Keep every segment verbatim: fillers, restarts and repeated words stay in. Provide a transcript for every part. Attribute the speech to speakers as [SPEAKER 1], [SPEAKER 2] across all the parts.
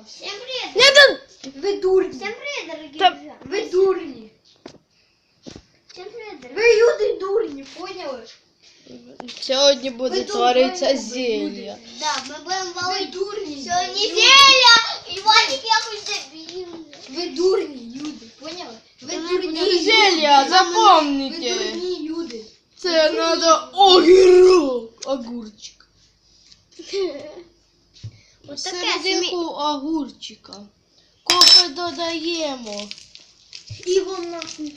[SPEAKER 1] Всем привет!
[SPEAKER 2] Нет,
[SPEAKER 1] Вы дурни! Всем привет, дорогие
[SPEAKER 2] Да.
[SPEAKER 1] друзья! Вы дурни! Всем привет, дорогие! Вы люди дурни, поняли?
[SPEAKER 2] сьогодні буде
[SPEAKER 1] Ви
[SPEAKER 2] творитися
[SPEAKER 1] дурні,
[SPEAKER 2] зілля.
[SPEAKER 1] Да, ми будемо
[SPEAKER 3] Ви
[SPEAKER 1] валити.
[SPEAKER 3] дурні.
[SPEAKER 1] Сьогодні зілля! І Вадик якось дебіл.
[SPEAKER 3] Ви дурні люди, поняли? Ви
[SPEAKER 1] Та ми
[SPEAKER 3] дурні
[SPEAKER 1] будемо
[SPEAKER 3] люди.
[SPEAKER 2] зілля,
[SPEAKER 3] Ви
[SPEAKER 2] запомните.
[SPEAKER 3] дурні люди.
[SPEAKER 2] Це треба огірок, огурчик.
[SPEAKER 1] Ось таке собі.
[SPEAKER 2] Серединку огурчика. Кофе додаємо.
[SPEAKER 3] І вам нахуй.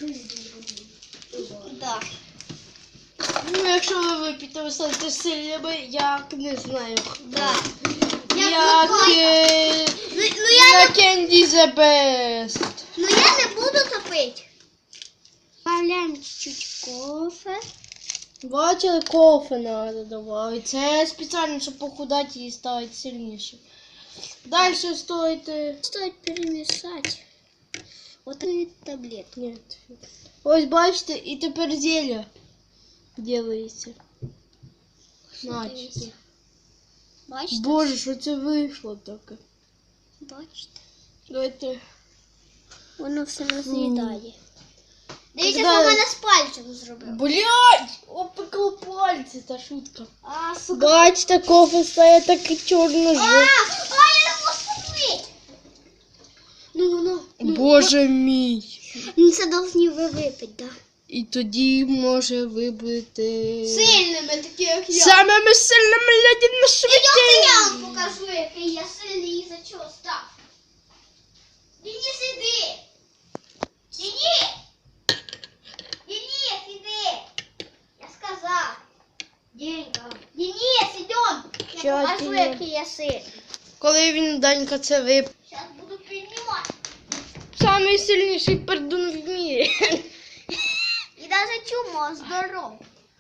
[SPEAKER 1] Да.
[SPEAKER 2] Ну, якщо ви вип'єте, ви станете сильними, як не знаю.
[SPEAKER 1] Да.
[SPEAKER 2] Як е,
[SPEAKER 1] Ну, ну, я
[SPEAKER 2] на
[SPEAKER 1] не,
[SPEAKER 2] Candy the Best.
[SPEAKER 1] ну я не буду топити. Добавляємо чуть-чуть кофе.
[SPEAKER 2] Бачили, кофе треба додавати. Це спеціально, щоб похудати і стати сильнішим. Далі стоїть... е,
[SPEAKER 1] Стоит перемешать. Вот такие таблетки.
[SPEAKER 2] Ні. Ось бачите, і тепер зілля ділається. Наче.
[SPEAKER 1] Бачите?
[SPEAKER 2] Боже, що це вийшло таке?
[SPEAKER 1] Бачите?
[SPEAKER 2] Давайте.
[SPEAKER 1] Воно все роз'їдає. Дивіться,
[SPEAKER 2] Когда-
[SPEAKER 1] що в мене з пальцем зробив.
[SPEAKER 2] Блядь! Опекло пальці, та шутка.
[SPEAKER 1] А, сука.
[SPEAKER 2] Бачите, кофе стає такий
[SPEAKER 1] А,
[SPEAKER 2] чорно-жовтий.
[SPEAKER 1] а, я не можу купити. Ну, ну, ну.
[SPEAKER 2] Боже мій.
[SPEAKER 1] Ну, це повинні ви випити, да.
[SPEAKER 2] І тоді може ви будете
[SPEAKER 1] Сильними, такі як я.
[SPEAKER 2] самими сильними людьми на
[SPEAKER 1] Ідемте, я
[SPEAKER 2] світі.
[SPEAKER 1] вам покажу, який я сильний і за чого став. Денис, іди. Денис. Денис, іди. Я сказав. Денька. Денис, ідем. Я
[SPEAKER 2] Чого
[SPEAKER 1] покажу,
[SPEAKER 2] ти?
[SPEAKER 1] який я сильний.
[SPEAKER 2] Коли він, Данька, це вип.
[SPEAKER 1] Зараз буду піднімати.
[SPEAKER 2] Самий сильніший пердун в мірі.
[SPEAKER 1] І навіть чумо, здоров.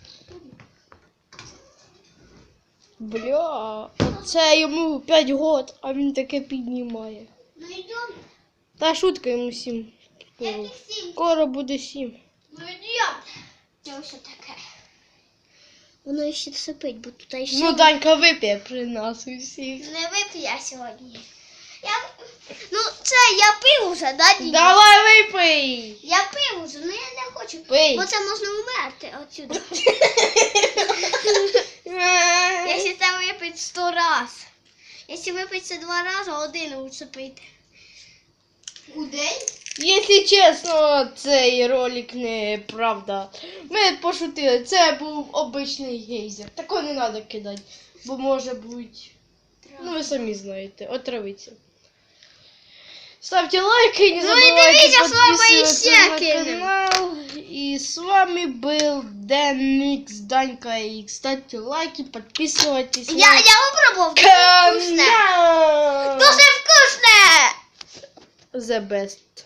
[SPEAKER 2] Бля, оце йому п'ять років, а він таке піднімає.
[SPEAKER 1] Ну йдем.
[SPEAKER 2] Та шутка йому сім. Скоро,
[SPEAKER 1] Яких сім?
[SPEAKER 2] Скоро буде сім.
[SPEAKER 1] Ну йдем. Це ось таке. Воно ще сипить, бо тут ще...
[SPEAKER 2] Ну, Данька вип'є при нас усіх.
[SPEAKER 1] Не вип'ю я сьогодні. Я... Ну, це я пив уже, да, Діня?
[SPEAKER 2] Давай випий!
[SPEAKER 1] Я пив уже, ну я не хочу.
[SPEAKER 2] Пий.
[SPEAKER 1] Бо це можна вмерти отсюди. Якщо це випити сто раз. Якщо випити це два рази, один лучше пити.
[SPEAKER 3] У день?
[SPEAKER 2] Якщо чесно, цей ролик не правда. Ми пошутили, це був обичний гейзер. Такого не треба кидати, бо може бути, ну ви самі знаєте, отравиться. Ставте лайки і не
[SPEAKER 1] Ну і
[SPEAKER 2] забувайте
[SPEAKER 1] дивіться, з вами
[SPEAKER 2] підписуватися
[SPEAKER 1] іще
[SPEAKER 2] на
[SPEAKER 1] кинемо.
[SPEAKER 2] канал. І з вами був Денікс, Данька. І ставте лайки, підписуйтесь
[SPEAKER 1] Я,
[SPEAKER 2] на
[SPEAKER 1] я попробував. Дуже вкусне.
[SPEAKER 2] канал.
[SPEAKER 1] Дуже вкусне.
[SPEAKER 2] The best.